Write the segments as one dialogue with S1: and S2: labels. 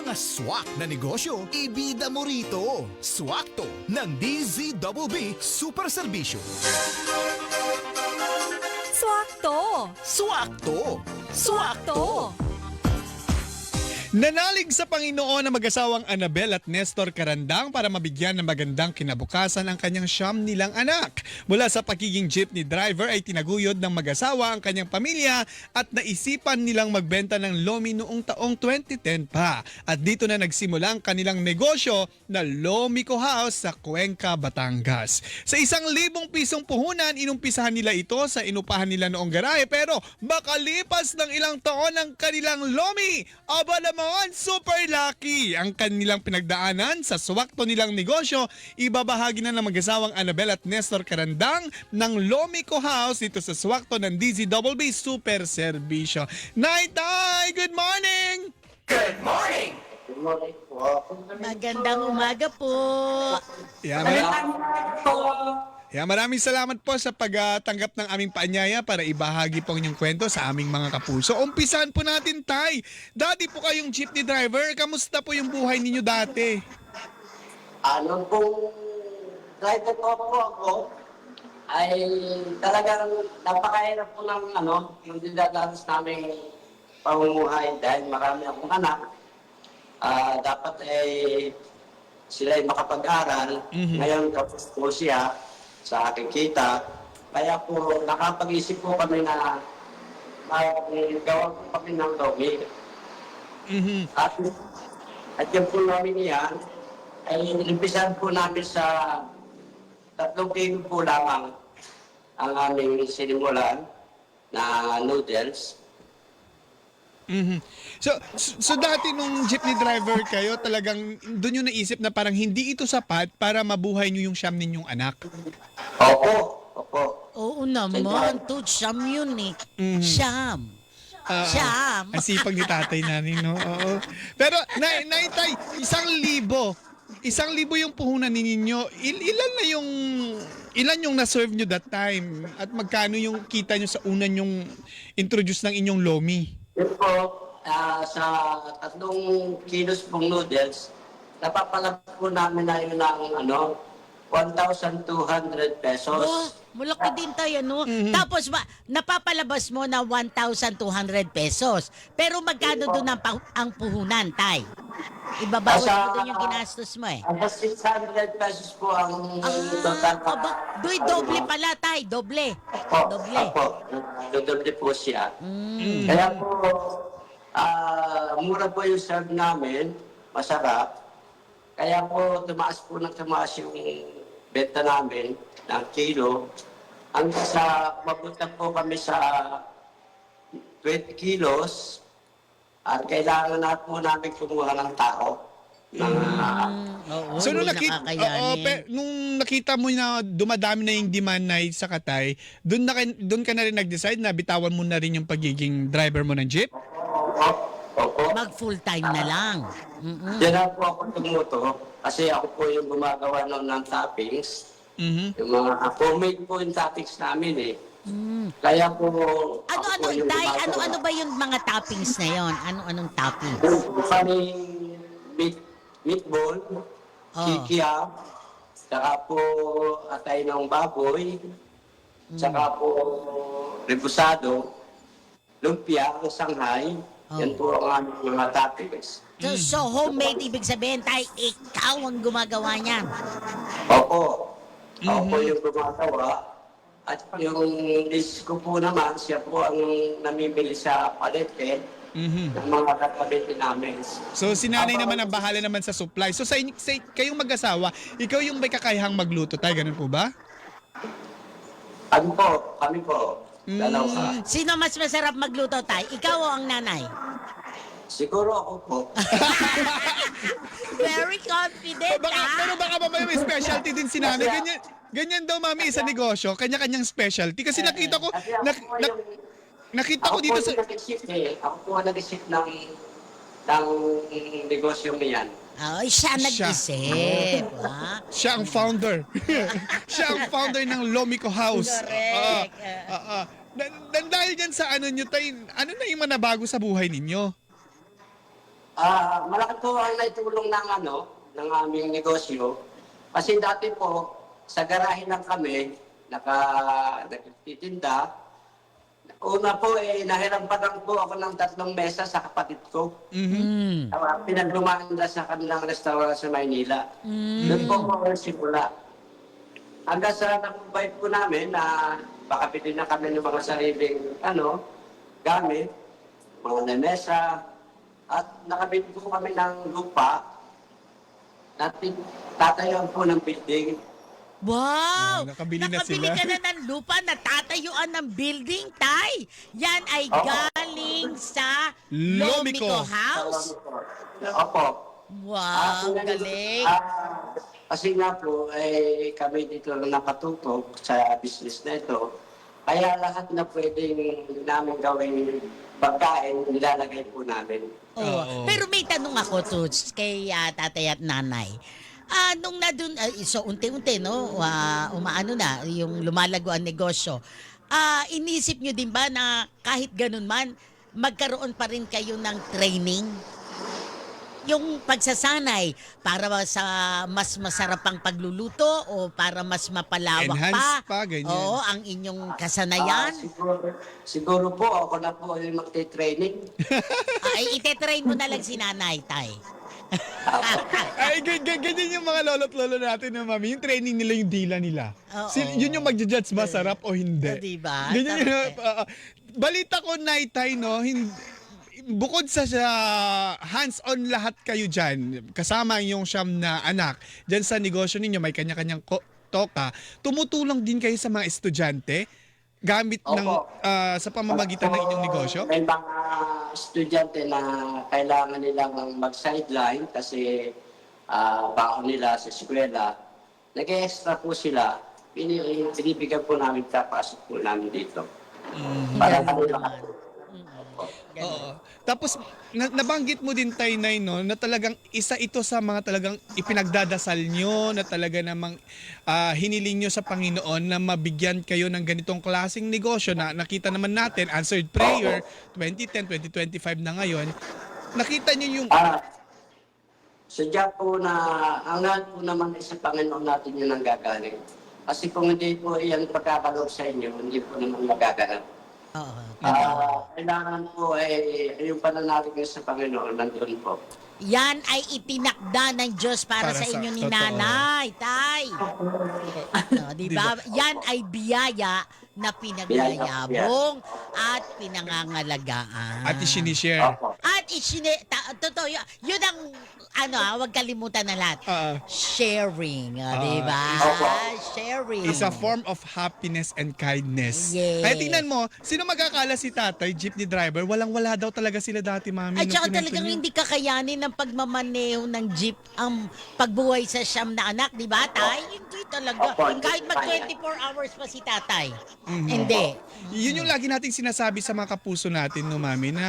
S1: mga swak na negosyo, ibida mo rito. Swakto ng DZBB Super Serbisyo.
S2: Swakto!
S1: Swakto!
S2: Swakto!
S3: Nanalig sa Panginoon ang mag-asawang Annabel at Nestor Carandang para mabigyan ng magandang kinabukasan ang kanyang siyam nilang anak. Mula sa pagiging jeepney driver ay tinaguyod ng mag-asawa ang kanyang pamilya at naisipan nilang magbenta ng lomi noong taong 2010 pa. At dito na nagsimula ang kanilang negosyo na Lomico House sa Cuenca, Batangas. Sa 1,000 pisong puhunan, inumpisahan nila ito sa inupahan nila noong garahe, pero makalipas ng ilang taon ng kanilang lomi, aba naman, super lucky ang kanilang pinagdaanan sa swakto nilang negosyo. Ibabahagi na ng mag-asawang Annabel at Nestor Carandang ng Lomico House dito sa swakto ng DZBB Super Serbisyo. Nay-tay, good morning!
S1: Good morning!
S2: Magandang umaga po.
S3: Maraming salamat po sa pagtanggap ng aming paanyaya para ibahagi po ang inyong kwento sa aming mga kapuso. Umpisahan po natin, Tay. Dati po kayong jeepney driver. Kamusta po yung buhay ninyo dati?
S4: Ano pong driver po ako ay talagang napakahirap po ng yung dinadanas naming pamumuhay dahil marami akong anak. Dapat ay sila ay makapag-aral. Ngayon tapos po siya sa aking kita. Kaya po nakapag-isip po kami na gawa po kami ng lomi. At yung po lomi niya ay inimpisahan po namin sa 3 kilo po lamang ang aming sinimulan na noodles.
S3: So dati nung jeepney driver kayo, talagang doon yung naisip na parang hindi ito sapat para mabuhay nyo yung siyam ninyong anak?
S4: Opo.
S2: Oo naman, siyam yun eh. Siyam. Siyam.
S3: Ang sipag ni tatay namin, no? Oo. Pero, Tay, 1,000. 1,000 yung puhunan ninyo. Ilan yung na-serve nyo that time? At magkano yung kita nyo sa una yung introduce ng inyong lomi?
S4: Yun po, sa 3 kilos pong noodles, napapalabas po namin na yun ng 1,200 pesos.
S2: Oh, malaki din tayo, no? Tapos napapalabas mo na 1,200 pesos. Pero magkano doon ang puhunan, Tay? Ibabawas mo doon yung ginastos mo eh.
S4: Hanggang 600 pesos po ang total.
S2: Doble pala, Tay. Doble.
S4: Opo. Doble po siya. Kaya po, mura po yung serve namin. Masarap. Kaya po, tumaas yung benta namin ng kilo. Hanggang sa mapunta po kami sa 20 kilos. At kailangan na po namin kumuha ng tao.
S3: So nung nakita mo na dumadami na yung demand na sa Katay, doon ka na rin nag-decide na bitawan mo na rin yung pagiging driver mo ng jeep?
S4: Opo.
S2: Mag full time na lang.
S4: Diyan na po ako tumuto kasi ako po yung gumagawa ng toppings. Yung mga homemade po yung toppings namin eh. Kaya po...
S2: Ano ba yung mga toppings na yon? Anong toppings?
S4: Kaming meatball, kikiam, saka po atay ng baboy, saka po rebusado, lumpia, Shanghai. Yan po ang aming mga toppings.
S2: So homemade, ibig sabihin, Tay, ikaw ang gumagawa niyan.
S4: Opo. Ako po yung gumagawa. At yung list ko po naman, siya po ang namimili sa palete ng mga kapalete namin.
S3: So si nanay naman ang bahala naman sa supply. So sa kayong mag-asawa, ikaw yung may kakayahang magluto, Tay, ganun po ba?
S4: Kami po. Dalawa.
S2: Sino mas masarap magluto, Tay? Ikaw o ang nanay?
S4: Siguro ako po.
S2: Very confident,
S3: Pero baka mamaya may specialty din si nanay. Ganyan daw, mami, sa negosyo, kanya-kanyang specialty. Kasi nakita ko, nakita ko dito sa...
S4: Ako po ang nag-isip ng negosyo niyan.
S2: Ay, siya nag-isip.
S3: Siya ang founder. Siya ang founder ng Lomico House.
S2: Correct.
S3: Dahil dyan sa ano nyo, Tay, ano na yung manabago sa buhay ninyo?
S4: Malaki po ang naitulong ng aming negosyo. Kasi dati po, sa garahe lang kami, nagtitinda. Una po, nahirapan lang po ako ng 3 mesa sa kapatid ko.
S2: Mm.
S4: Pinaglumanda sa kanilang restaurant sa Maynila. Doon po ako simula. Hanggang sa nakumbay po namin na makabili na kami ng mga sariling gamit, mga lamesa, at nakabili po kami ng lupa na tatayuan po ng building.
S2: Wow!
S3: Nakabili na sila.
S2: ka na ng lupa na tatayuan ng building, Tay. Yan ay galing sa
S3: Lomico
S2: Lomico House.
S4: Opo.
S2: Wow, galing.
S4: Kasi nga po, kami dito lang nakatutok sa business na ito. Kaya lahat na pwedeng namin gawing pagkain, nilalagay po namin.
S2: Oo. Pero may tanong ako, Toots, kay tatay at nanay. Nung na dun, so unti-unti, no, umaano na, yung lumalago ang negosyo. Inisip nyo din ba na kahit ganun man, magkaroon pa rin kayo ng training? Yung pagsasanay para sa mas masarapang pagluluto o para mas mapalawak
S3: Enhance pa, ganyan.
S2: Oo, ang inyong kasanayan.
S4: Siguro po, ako na po yung magte-training.
S2: Ay, itetrain mo na lang si nanay, Tay.
S3: Ay, ganyan yung mga lolo't lolo natin na mami. Yung training nila, yung dila nila.
S2: Oo.
S3: Yun yung magja-judge masarap o hindi.
S2: Diba?
S3: Ganyan yun.
S2: Sarap
S3: Balita ko, Naitay, no, bukod sa hands-on lahat kayo dyan, kasama yung siyam na anak, dyan sa negosyo ninyo, may kanya-kanyang toka, tumutulong din kayo sa mga estudyante gamit ng sa pamamagitan ng inyong negosyo?
S4: May mga estudyante na kailangan nilang mag-sideline kasi baon nila sa eskwela. Nag-extra po sila. Binibigyan po namin, tapasok po namin dito. Para kanila.
S3: Oo. Tapos nabanggit mo din, Tay Nay, no, na talagang isa ito sa mga talagang ipinagdadasal nyo, na talaga namang hiniling nyo sa Panginoon na mabigyan kayo ng ganitong klaseng negosyo na nakita naman natin, answered prayer, 2010, 2025 na ngayon. Nakita nyo yung...
S4: Sadya po na, ang lahat po naman ay sa Panginoon natin yun ang gagaling. Kasi kung hindi po iyan pagkakaloob sa inyo, hindi po naman magaganap.
S2: Oo.
S4: Kailangan po yung pananalig sa Panginoon, nandun po.
S2: Yan ay itinakda ng Diyos para sa inyo ni
S3: totoo.
S2: Nanay, Tay. Diba? Yan ay biyaya na pinagyayabong at pinangangalagaan.
S3: At isinishare.
S4: Opo.
S2: At totoo, yun ang, wag kalimutan na lahat. Sharing, diba?
S4: Opo.
S2: Sharing.
S3: Is a form of happiness and kindness.
S2: Yes.
S3: Kaya tingnan mo, sino magkakala si tatay, jeepney driver, walang-wala daw talaga sila dati, mami.
S2: At
S3: nung
S2: saka
S3: pinansin
S2: talagang
S3: niyo.
S2: hindi kakayanin ng pagmamaneho ng jeep ang pagbuhay sa siyam na anak, di ba, Tay? Hindi talaga.
S4: Opo, hindi
S2: Kahit mag
S4: kaya.
S2: 24 hours pa si Tatay. Hindi.
S3: Yun yung lagi nating sinasabi sa mga kapuso natin, no, mami, na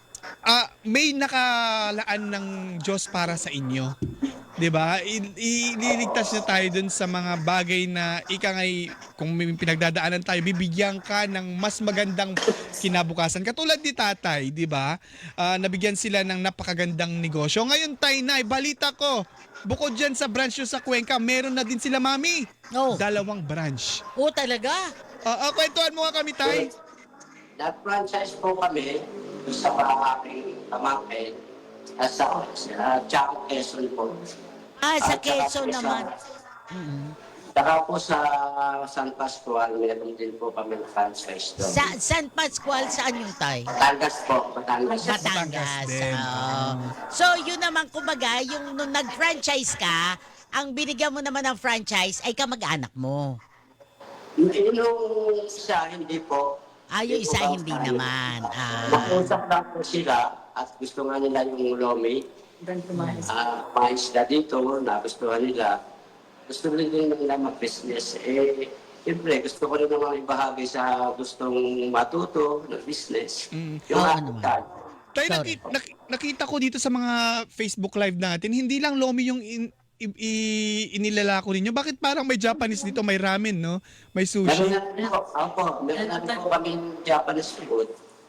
S3: may nakalaan ng Diyos para sa inyo. 'Di ba? Ililigtas niya tayo dun sa mga bagay na ngay kung may pinagdadaanan tayo, bibigyan ka ng mas magandang kinabukasan. Katulad ni tatay, 'di ba? Nabigyan sila ng napakagandang negosyo. Ngayon, Tay Nay, balita ko, bukod dyan sa branch nyo sa Cuenca, meron na din sila, mami.
S2: Oh.
S3: 2 branch.
S2: Oh, talaga?
S3: Kwentuhan mo nga kami, Tay.
S4: Nag-franchise po kami sa aking pamangkin sa Chaco, Quezon po.
S2: Sa
S4: At saka
S2: Quezon
S4: po
S2: naman.
S4: Saka po sa San Pascual, meron din po kami na franchise doon.
S2: Sa San Pascual, saan yung Tay?
S4: Batangas po, Batangas.
S2: Batangas.
S3: din.
S2: So, yun naman, kumbaga, yung nung nag-franchise ka, ang binigyan mo naman ng franchise ay kamag-anak mo.
S4: Yung isa, hindi po.
S2: Yung isa
S4: po
S2: hindi
S4: tayo.
S2: naman.
S4: Mag-usap lang po sila at gusto nga nila yung lomi. Maisda dito na gustuhan nila. Gusto rin nila mag-business. Siyempre, gusto ko rin naman ibahagi sa gustong matuto ng business. Yung
S2: Oo
S4: ating
S2: naman.
S4: time.
S3: Tay,
S2: Sorry.
S3: nakita ko dito sa mga Facebook Live natin, hindi lang lomi yung inilalako ninyo. Bakit parang may Japanese dito, may ramen, no? May
S4: Meron
S3: sushi.
S4: na rin po, meron na rin po kaming Japanese food.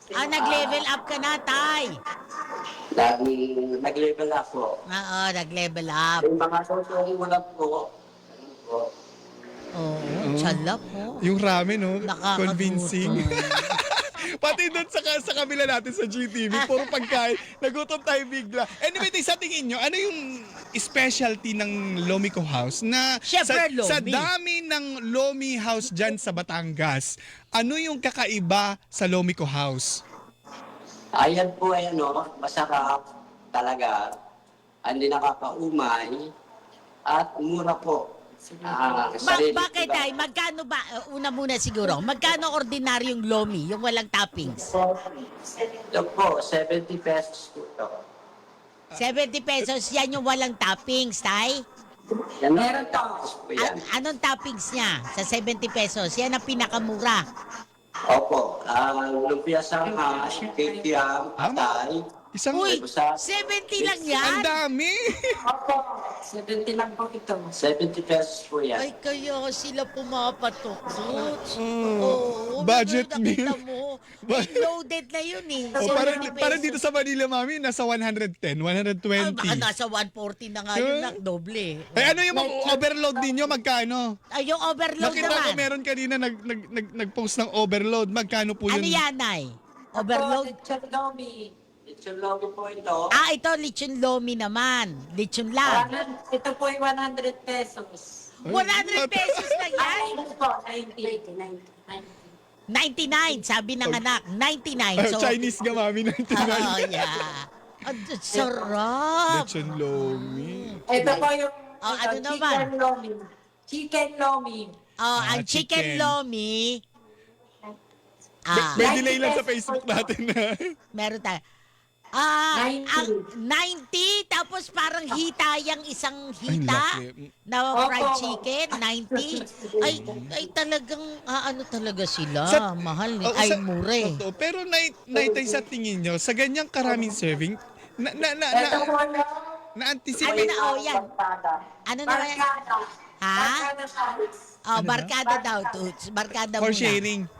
S2: Nag-level up ka na, Tay.
S4: Nag-level up po.
S2: Oo, nag-level up.
S4: Yung mga tutong wala po, ano po,
S2: Oo, tsalap po.
S3: Yung ramen, no?
S2: Nakakagutom.
S3: Convincing. Pati doon sa kabila natin sa GTV, puro pagkain. Nagutom tayo bigla. Anyway, sa tingin nyo, ano yung specialty ng Lomico House na
S2: Syempre,
S3: sa
S2: Lomi.
S3: dami ng Lomi House dyan sa Batangas, ano yung kakaiba sa Lomico House?
S4: ayan po ay ano, masarap talaga, hindi nakakaumay, at mura po.
S2: Bakit, Tay? Magkano ba? Una muna siguro. Magkano ordinaryong lomi, yung walang toppings?
S4: Ito po, 70 pesos po ito.
S2: 70 pesos, yan yung walang toppings, Tay?
S4: Yan meron tapos po yan.
S2: Anong toppings niya sa 70 pesos? Yan ang pinakamura.
S4: Opo, lumpia sangha, kikiam, atay.
S3: Isang...
S2: Uy,
S4: Busa.
S2: 70 lang
S3: Ang
S2: yan?
S3: dami!
S4: Opo, 70 lang po ito. 70 pesos po yan.
S2: Ay, kaya sila pumapatok, Toots.
S3: Mm,
S2: Oo,
S3: budget
S2: nakita
S3: meal.
S2: mo.
S3: Ba-
S2: Loaded na yun eh.
S3: O,
S2: 70
S3: parang
S2: pesos.
S3: dito sa Manila, mami, nasa 110, 120.
S2: Baka nasa 140 na nga yun, nak, doble.
S3: Ay, ano yung overload ninyo? Magkano?
S2: Ay, yung overload
S3: Nakita ko
S2: naman.
S3: meron kanina nag-post ng overload. Magkano po
S2: Ano
S3: yun?
S2: yan, Nay? Overload?
S4: Lechon lomi. Lechon lomi po ito.
S2: Ito, lechon lomi naman. Lechon lang.
S5: Ito po ay 100 pesos.
S2: 100 pesos lang yan?
S5: Ito po, 90.
S2: 99, sabi ng anak. 99.
S3: Ay,
S2: So,
S3: Chinese nga, mami, 99.
S2: yeah. Ang sarap.
S3: Lechon lomi.
S5: Ito po yung
S2: ano naman?
S5: chicken lomi. Chicken lomi.
S2: Ang chicken
S3: chicken.
S2: lomi.
S3: May delay lang sa Facebook natin na.
S2: Meron tayo.
S5: 90.
S2: Ang 90, tapos parang hita yung isang hita
S3: laki.
S2: na fried
S5: Opo.
S2: chicken, 90. Ay talagang, ano talaga sila, mahal,
S3: Oh,
S2: ay
S3: sa-
S2: mure.
S3: Totoo. Pero naitay sa tingin nyo, sa ganyang karaming serving,
S5: Ito po yung
S3: na-anticipate.
S2: Yan. Ano na yan?
S5: barkada.
S2: Ha?
S5: Barkada size.
S2: Oh, barkada daw, Toots. Barkada
S3: For
S2: muna.
S3: sharing.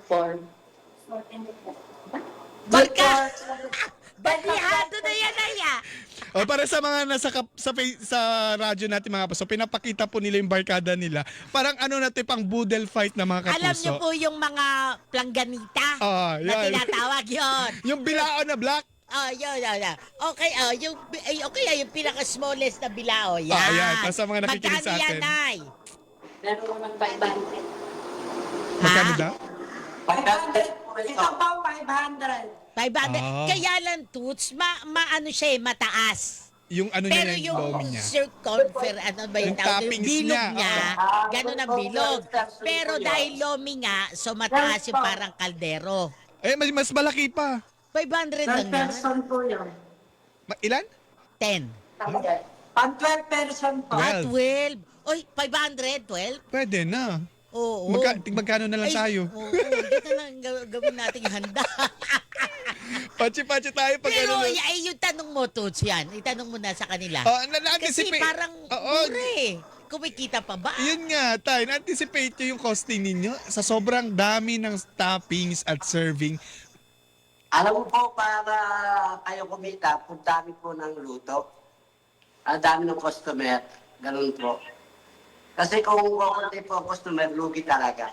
S2: Barkada! Balihado na yan, Aya.
S3: O, para sa mga nasa sa radyo natin mga kapuso, pinapakita po nila yung barkada nila. Parang ano natin, pang boodle fight na mga kapuso.
S2: Alam niyo po yung mga plangganita na
S3: yan.
S2: tinatawag yon.
S3: Yung bilao na black.
S2: Yun. Okay, yung pinaka-smallest na bilao, yan.
S3: Ayan, para sa mga nakikinig sa
S2: Magkano yan,
S3: atin.
S2: Nay?
S5: Meron naman 500.
S3: Magkano
S2: Ha?
S3: daw?
S5: 500 po ito. po 500.
S2: 500.
S3: Ah.
S2: Kaya lang, Toots, maano siya, mataas.
S3: Yung ano
S2: Pero
S3: niya, yung lomi niya.
S2: ano ba yung
S3: Yung
S2: tawag?
S3: toppings
S2: Bilog
S3: niya,
S2: niya. Ganun ang bilog. Pero dahil lomi nga, so mataas yung parang kaldero.
S3: Eh, mas malaki pa.
S2: 500 lang
S5: 12
S2: yan.
S5: person po yun.
S3: Ilan?
S2: 10.
S5: Pang 12 person po.
S3: 12.
S2: 12. Oy, 500, 12?
S3: Pwede na.
S2: Oo.
S3: Magkano na lang tayo?
S2: Oo, dito na lang gawin nating handa.
S3: Pachi-pachi tayo pag
S2: Pero
S3: ano.
S2: yung tanong mo, Toots, yan. Itanong mo na sa kanila. Kasi
S3: Na-anticipate.
S2: parang
S3: Oo.
S2: mura eh. Kumikita pa ba?
S3: Yun nga, tayo. Na-anticipate nyo yung costing ninyo sa sobrang dami ng toppings at serving.
S4: Alam mo po, para kayo kumita, kung dami po ng luto, ang dami ng customer, ganun po. Kasi kung kukunti po ang customer, lugi talaga.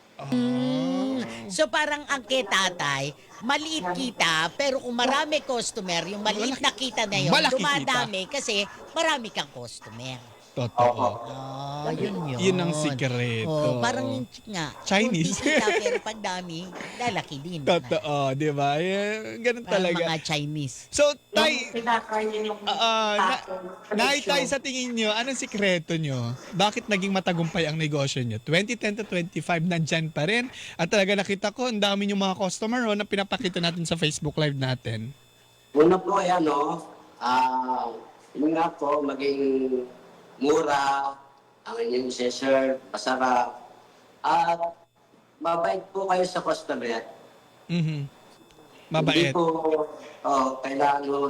S2: So parang ang kay tatay, maliit kita, pero kung marami customer, yung maliit na kita na yun,
S3: Malaki
S2: dumadami kasi marami kang customer.
S3: Totoo.
S2: Yun.
S3: Yun ang sikreto.
S2: Parang nga,
S3: Chinese.
S2: kunti kita, pero pag dami, lalaki din.
S3: Totoo, di ba? Ganun
S2: Parang
S3: talaga.
S2: mga Chinese.
S3: So,
S5: Yung
S3: tay,
S5: pinakain yung
S3: naitay sa tingin nyo, anong sikreto nyo? Bakit naging matagumpay ang negosyo nyo? 2010 to 25, nandyan pa rin. At talaga nakita ko, ang dami yung mga customer na pinapakita natin sa Facebook Live natin.
S4: Una po ay yun nga po, maging mura, ang inyong serve, masarap, at mabait po kayo sa customer.
S3: Mhm.
S4: Hindi
S3: Mabait.
S4: po, kailangan mo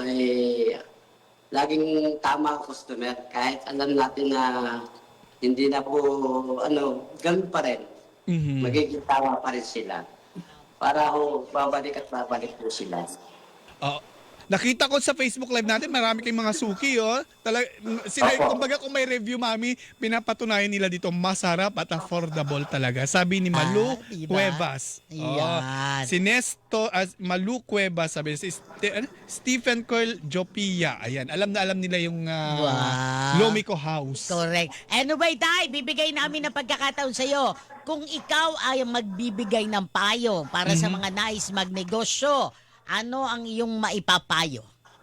S4: laging tama ang customer. Kahit alam natin na hindi na po, ganun pa rin.
S3: Mhm.
S4: Magiging tama pa rin sila. para ho babalik at babalik po sila.
S3: Oh, nakita ko sa Facebook Live natin, marami kayong mga suki, oh. Sila,
S4: Opo.
S3: kumbaga kung may review, mami, pinapatunayan nila dito, masarap at affordable talaga. Sabi ni Malu
S2: diba?
S3: Cuevas.
S2: Ayan.
S3: Si Nesto, Malu Cuevas, sabi si Stephen Curl Jopia. Ayan, alam na alam nila yung
S2: Wow.
S3: Lomico House.
S2: Correct. Anyway, Tay, bibigay namin ng pagkakataon sa'yo. Kung ikaw ay magbibigay ng payo para sa mga nais magnegosyo, ano ang iyong maipapayo?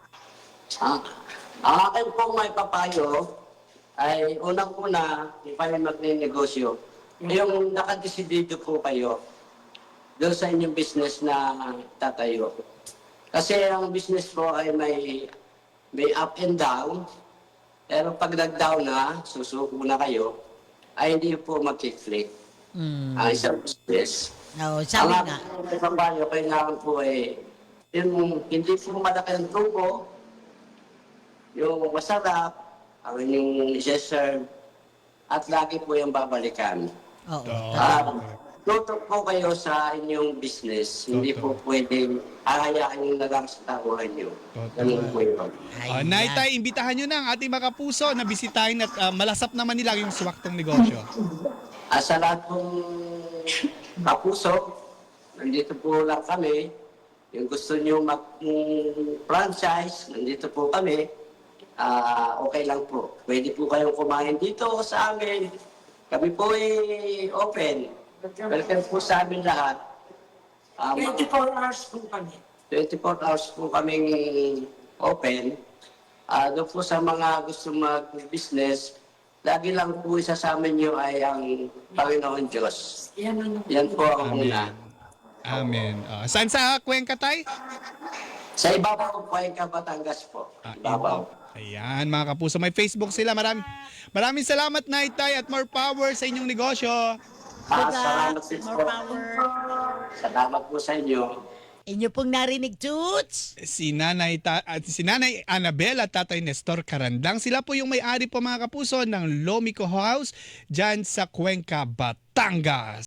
S4: Ang akin pong may papayo ay unang-una, kung kayo magne-negosyo, yung nakadesidido po kayo doon sa inyong business na tatayo. Kasi ang business po ay may up and down, pero pag nag-down na, susuko na kayo, ay hindi po mag-click ang isang business.
S2: No, sabi
S4: Ang
S2: nga.
S4: aking papayo, kailangan po ay yung hindi po malaki ang tubo, yung masarap, ang inyong i-serve, at lagi po yung babalikan.
S2: Oo.
S4: Tutok po kayo sa inyong business. Hindi po pwedeng ahayaan yung nalang sa tabuhan nyo. Ganun po yun.
S2: Ayan.
S3: Naitay, imbitahan nyo na ang ating mga kapuso na bisitahin at malasap naman nila yung swaktong negosyo.
S4: Sa lahat pong kapuso, nandito po lang kami. Yung gusto nyo mag-franchise, nandito po kami. Okay lang po. Pwede po kayong kumain dito sa amin. Kami po ay open. Welcome po sa amin lahat.
S5: 24 hours po kami.
S4: 24 hours po kaming open. Doon po sa mga gusto mag-business, lagi lang po isasama nyo ay ang Panginoon Diyos.
S5: Yan ano.
S4: Yan po ang una.
S3: Amen. Saan sa Cuenca, Tay?
S4: Sa ibabaw po ay Batangas po. Ibabaw.
S3: Ayan, mga kapuso, may Facebook sila. Maraming salamat, Naitay, at more power sa inyong negosyo.
S4: Salamat din
S2: More
S4: po.
S2: power.
S4: Salamat po sa inyo.
S2: Inyo pong narinig, Toots?
S3: Si Nanay Annabel at Tatay Nestor Carandang. Sila po yung may-ari po, mga kapuso, ng Lomico House dyan sa Cuenca, Batangas.